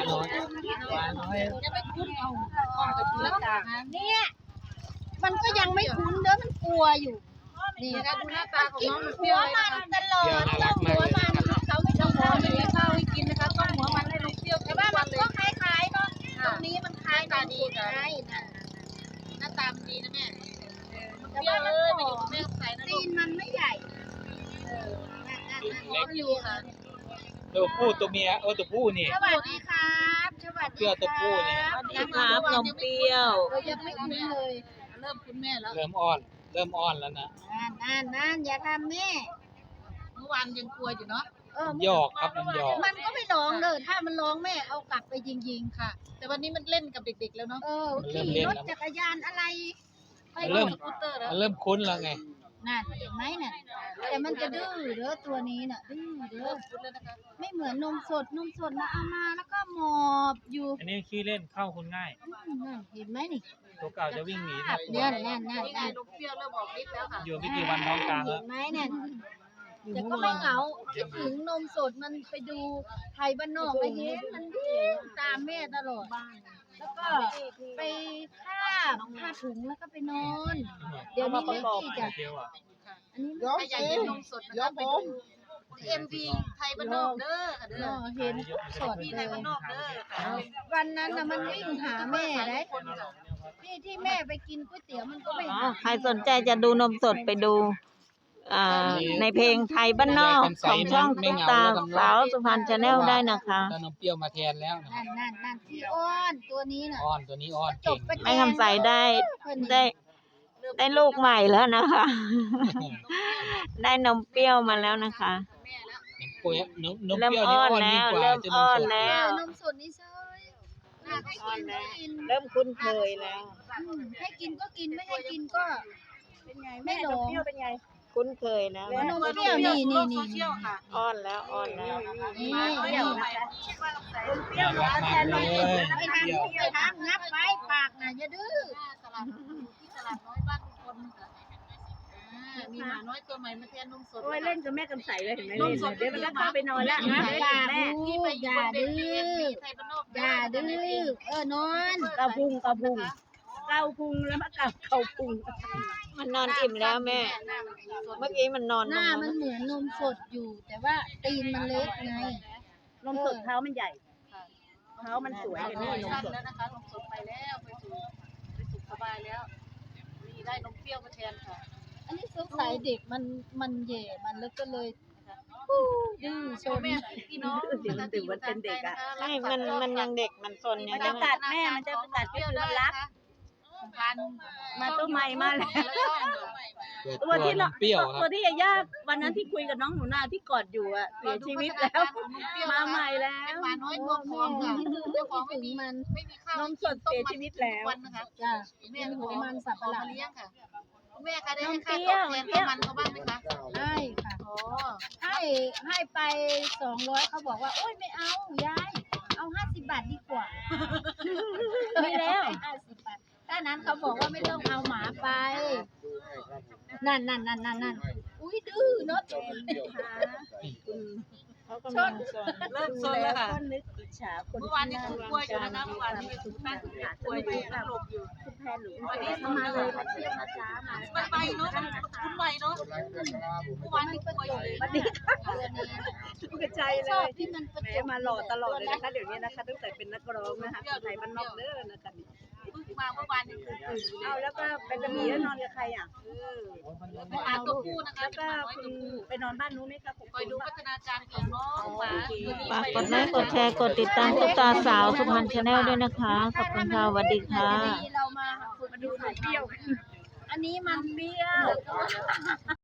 น้อยปลาน้อยจะไม่คุ้นเอาแล้วเนี่ยมันก็ยังไม่คุ้นเด้อมันกลัวอยู่นี่นะดูหน้าตาของน้องมันเปรี้ยวมันตลอดต้องหัวมันเขาไม่ต้องหัวมันข้าวให้กินนะคะต้องหัวมันให้ลูกเปรี้ยวแต่ว่ามันก็คล้ายๆเนาะตรงนี้มันคล้ายตาดีนะหน้าตาดีนะแม่แต่ว่ามันไม่อยู่แม่ใส่นะตีนมันไม่ใหญ่เล็กอยู่ค่ะตัวผู้ตัวเมียตัวผู้นี่สวัสดีครับสวัสดีตัวผู้เนี่ยสวัสดีครับนมเปรี้ยวเรายังไม่คุ้นเลยเริ่มคุ้นแม่แล้วเริ่มอ่อนแล้วนะนั่นอย่าทำแม่เมื่อวานยังกลัวอยู่เนาะหยอกครับมันหยอกมันก็ไม่ร้องเลยถ้ามันร้องแม่เอากลับไปยิงๆค่ะแต่วันนี้มันเล่นกับเด็กๆแล้วเนาะขี่รถจักรยานอะไรเริ่มคุ้นแล้วไงนั่นเห็นไหมน่ะแต่มันจะดื้อเด้อตัวนี้น่ะดื้อเด้อไม่เหมือนนมสดนะเอามาแล้วก็หมอบอยู่อันนี้ขี้เล่นเข้าคนง่ายเห็นไหมนี่ตัวเก่าจะวิ่งหนีเนี่ยนั่นนมเปรี้ยวเริ่มบอกนิดแล้วค่ะอยู่ไม่กี่วันน้องกลางแล้วเห็นไหมเนี่ยแต่ก็ไม่เหงาคิดถึงนมสดมันไปดูไทยบ้านนอกไปเห็นมันวิ่งตามแม่ตลอดแล้วก็ไปผ้าถุงแล้วก็ไปนอนเดี๋ยวนี้ไม่ดีจ้ะอันนี้ไม่ใช่นมสดนะครับไปดูMV ไทยบ้านนอกเด้อเห็นสดไทยบ้านนอกเด้อวันนั้นน่ะมันวิ่งหาแม่เลยที่แม่ไปกินก๋วยเตี๋ยวมันก็ไม่หาใครสนใจจะดูนมสดไปดูในเพลงไทยบ้านนอกของช่องตุ๊กตาสาวสุพรรณชาแนลได้นะคะนมเปรี้ยวมาแทนแล้วนั่นที่อ้อนตัวนี้น่ะตัวนี้อ้อนเก่งไม่คำใสได้ลูกใหม่แล้วนะคะได้นมเปรี้ยวมาแล้วนะคะเริ่มอ้อนแล้วนมสดนี่เชยเริ่มคุ้นเคยแล้วให้กินก็กินไม่ให้กินก็เป็นไงไม่หลงเป็นไงคุ้นเคยแล้วนมเปรี้ยวนี่อ้อนแล้วนี่เปรี้ยวแทนนมไปทำงับไว้ปากน่ะอย่าดื้อตลาดน้อยบ้านคนมีหมาน้อยตัวใหม่มาแทนนมสดโอ้ยเล่นกับแม่กำใสเลยเห็นไหมเล่นเดี๋ยวมันก็เข้าไปนอนแล้วแม่อย่าดื้อนอนเกาพุงแล้วมาเกาพุงมันนอนอิ่มแล้วแม่เมื่อกี้มันนอนหน้ามันเหมือนนมสดอยู่แต่ว่าตีนมันเล็กไงนมสดเท้ามันใหญ่เท้ามันสวยเลยนี่นมสดแล้วนะคะนมสดไปแล้วไปสุขสบายแล้วมีได้นมเปรี้ยวมาแทนค่ะอันนี้สงสัยเด็กมันเย่มันแล้วก็เลยดื้อโซนพี่น้องมันตื่นวันเป็นเด็กอ่ะไม่มันยังเด็กมันซนยังจะกัดแม่มันจะกัดเปรี้ยวมันรักมาตัวใหม่มาแล้วตัวที่ย่าวันนั้นที่คุยกับน้องหนูนาที่กอดอยู่อ่ะเสียชีวิตแล้วมาใหม่แล้วมาน้อยตัวพร้อมค่ะเจ้าของไม่มีข้าวนมสดเสียชีวิตแล้วจ้ะแม่หัวมันสับปะหลังเลี้ยงค่ะแม่คะได้ให้ค่าตอบแทนกับมันเขาบ้างไหมคะให้ค่ะให้ไป200เขาบอกว่าโอ๊ยไม่เอายายเอา50 บาทดีกว่าไม่แล้ว 50 บาทถ้านั้นเขาบอกว่าไม่ต้องเอาหมาไปนั่นอุ้ยดื้อเนาะชนเริ่มซนแล้วค่ะนึกอิจฉาคนเมื่อวานนี้คุณกลัวอยู่นะเมื่อวานนี้คุณป้าคุณกลัวอยู่หลบอยู่คุณแพนหรือวันนี้มาเลยมาเที่ยวมาจ้ามาไปเนาะคุณใหม่เนาะเมื่อวานนี้กลัวอยู่เลยวันนี้ทุกใจเลยที่มันแม่มาหล่อตลอดเลยนะคะเดี๋ยวนี้นะคะตั้งแต่เป็นนักร้องนะคะคนไทยบ้านนอกเด้อนะคะมาเมื่อวานนี้คือเอาแล้วก็เป็นจะมีแล้วนอนกับใครอ่ะไม่เอาตัวผู้นะคะแล้วก็คุณไปนอนบ้านนู้นไหมคะคอยดูพัฒนาการของน้องหมาฝากกดไลค์กดแชร์กดติดตามตุ๊กตาสาวสุพรรณชาแนลด้วยนะคะขอบคุณค่ะสวัสดีค่ะเรามาดูเปรี้ยวอันนี้มันเปรี้ยว